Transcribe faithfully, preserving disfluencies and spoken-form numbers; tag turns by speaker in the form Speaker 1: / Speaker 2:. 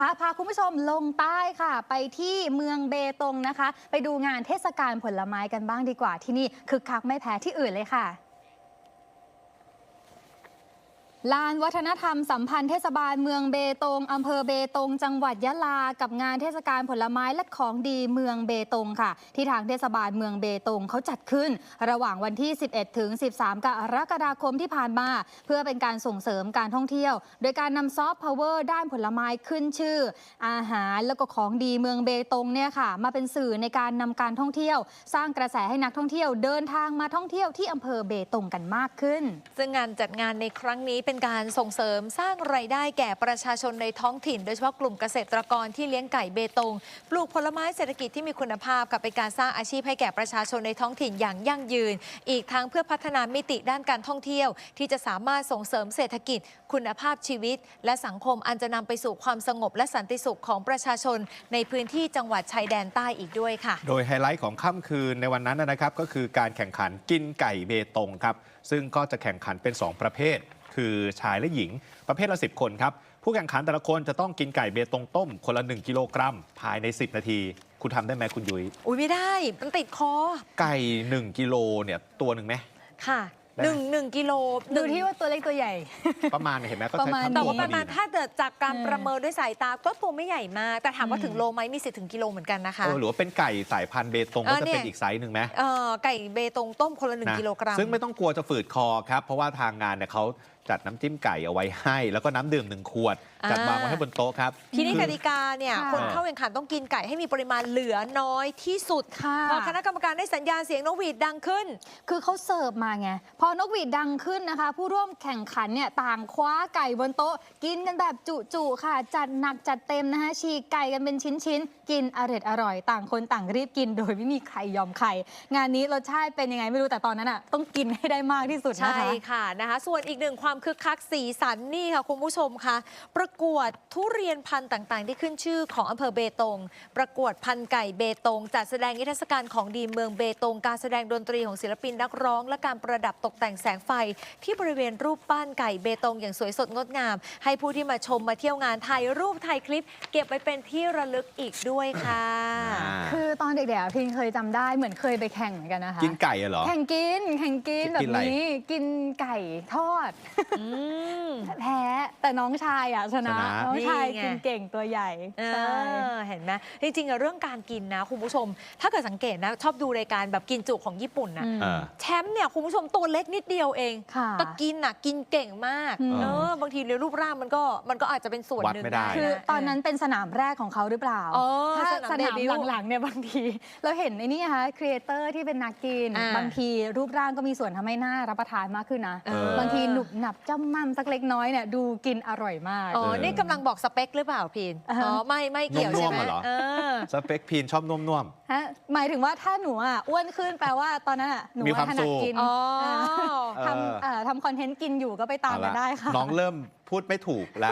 Speaker 1: พาพาคุณผู้ชมลงใต้ค่ะไปที่เมืองเบตงนะคะไปดูงานเทศกาลผลไม้กันบ้างดีกว่าที่นี่คึกคักไม่แพ้ที่อื่นเลยค่ะลานวัฒนธรรมสัมพันธ์เทศบาลเมืองเบตงอำเภอเบตงจังหวัดยะลากับงานเทศกาลผลไม้และของดีเมืองเบตงค่ะที่ทางเทศบาลเมืองเบตงเขาจัดขึ้นระหว่างวันที่สิบเอ็ดถึงสิบสามกรกฎาคมที่ผ่านมาเพื่อเป็นการส่งเสริมการท่องเที่ยวโดยการนำซอฟต์พาวเวอร์ด้านผลไม้ขึ้นชื่ออาหารแล้วก็ของดีเมืองเบตงเนี่ยค่ะมาเป็นสื่อในการนำการท่องเที่ยวสร้างกระแสให้นักท่องเที่ยวเดินทางมาท่องเที่ยวที่อำเภอเบตงกันมากขึ้น
Speaker 2: ซึ่งงานจัดงานในครั้งนี้เป็นการส่งเสริมสร้างรายได้แก่ประชาชนในท้องถิ่นโดยเฉพาะกลุ่มเกษตรกรที่เลี้ยงไก่เบตงปลูกผลไม้เศรษฐกิจที่มีคุณภาพกับเป็นการสร้างอาชีพให้แก่ประชาชนในท้องถิ่นอย่างยั่งยืนอีกทั้งเพื่อพัฒนามิติด้านการท่องเที่ยวที่จะสามารถส่งเสริมเศรษฐกิจคุณภาพชีวิตและสังคมอันจะนำไปสู่ความสงบและสันติสุขของประชาชนในพื้นที่จังหวัดชายแดนใต้อีกด้วยค่ะ
Speaker 3: โดยไฮไลท์ของค่ำคืนในวันนั้นนะครับก็คือการแข่งขันกินไก่เบตงครับซึ่งก็จะแข่งขันเป็นสองประเภทคือชายและหญิงประเภทละสิบคนครับผู้แข่งขันแต่ละคนจะต้องกินไก่เบตงต้มคนละหนึ่งกิโลกรัมภายในสิบนาทีคุณทำได้ไหมคุณยุ้ย
Speaker 2: อุ้ยไม่ได้มันติดคอ
Speaker 3: ไก่หนึ่งกิโลเนี่ยตัวหนึ่งไหม
Speaker 2: ค่ะหนึ่งหนึ่งกิโล
Speaker 1: ดูที่ว่าตัวเล็กตัวใหญ่
Speaker 3: ประมาณเห็นไหมก็
Speaker 1: ประมาณ
Speaker 2: แต่ว่าประมาณถ้าเกิดจากการประเมินด้วยสายตาก็ตัวไม่ใหญ่มากแต่ถามว่าถึงโลไหมมีสิทธิ์ถึงกิโลเหมือนกันนะคะ
Speaker 3: หรือว่าเป็นไก่สายพันธุ์เบตงก็จะเป็นอีกไซส์หนึ่งไหม
Speaker 2: เออไก่เบตงต้มคนละหนึ่งกิโลกรัม
Speaker 3: ซึ่งไม่ต้องกลัวจะฝืดคอครับเพราะว่าทางงานเนี่ยเขาจัดน้ำจิ้มไก่เอาไว้ให้แล้วก็น้ำดื่มหนึ่งขวดจัดวางไว้ให้บนโต๊ะครับ
Speaker 2: ทีนี้กติกาเนี่ยคนเข้าแข่งขันต้องกินไก่ให้มีปริมาณเหลือน้อยที่สุดพอคณะกรรมการได้สัญญาณเสียงนกหวีดดังขึ้น
Speaker 1: คือเขาเสิร์ฟมาไงพอนกหวีดดังขึ้นนะคะผู้ร่วมแข่งขันเนี่ยต่างคว้าไก่บนโต๊ะกินกันแบบจุๆค่ะจัดหนักจัดเต็มนะคะฉีกไก่กันเป็นชิ้นๆกินอร่อยอร่อยต่างคนต่างรีบกินโดยไม่มีใครยอมใครงานนี้รสชาติเป็นยังไงไม่รู้แต่ตอนนั้นอ่ะต้องกินให้ได้มากที่สุดนะคะ
Speaker 2: ใช่ค่ะนะคะส่วนอีกหนึ่งความคึกคักสีสันนี่ค่ะคุณผู้ชมค่ะประกวดทุเรียนพันธุ์ต่างๆที่ขึ้นชื่อของอำเภอเบตงประกวดพันธุ์ไก่เบตงจัดแสดงนิทรรศการของดีเมืองเบตงการแสดงดนตรีของศิลปินนักร้องและการประดับตกแต่งแสงไฟที่บริเวณรูปปั้นไก่เบตงอย่างสวยสดงดงามให้ผู้ที่มาชมมาเที่ยวงานถ่ายรูปถ่ายคลิปเก็บไปเป็นที่ระลึกอีกด้วยค่ะ
Speaker 1: คือตอนเด็กๆพิงเคยจำได้เหมือนเคยไปแข่งเหมือนกันนะคะ
Speaker 3: กินไก่เหรอ
Speaker 1: แข่งกินแข่งกินแบบนี้กินไก่ทอดแพ้แต่น้องชายอ่ะชนะน้องชายกินเก่งตัวใหญ่
Speaker 2: เห็นไหมจริงๆเรื่องการกินนะคุณผู้ชมถ้าเกิดสังเกตนะชอบดูรายการแบบกินจุของญี่ปุ่นนะแชมป์เนี่ยคุณผู้ชมตัวเล็กนิดเดียวเองแต่กินอ่ะกินเก่งมากเออบางทีในรูปร่างมันก็มันก็อาจจะเป็นส่วนหนึ่งได้
Speaker 1: คือตอนนั้นเป็นสนามแรกของเขาหรือเปล่าถ้าสนามหลังๆเนี่ยบางทีเราเห็นไอ้นี่ค่ะครีเอเตอร์ที่เป็นนักกินบางทีรูปร่างก็มีส่วนทำให้หน้ารับประทานมากขึ้นนะบางทีหนุบหนับจ้ำม่ำสักเล็กน้อยเนี่ยดูกินอร่อยมาก
Speaker 2: อ๋อนี่กำลังบอกสเปคหรือเปล่าพีนอ๋อไม่ไม่เกี่ยวใช่ไหม
Speaker 3: สเปคพีนชอบนุ่ม
Speaker 1: ๆฮะหมายถึงว่าถ้าหนูอ่ะอ้วนขึ้นแปลว่าตอนนั้นอ่ะหนูถนัดกินทำทำคอนเทนต์กินอยู่ก็ไปตามกันได้ค่ะ
Speaker 3: น้องเริ่มพูดไม่ถูกแล้ว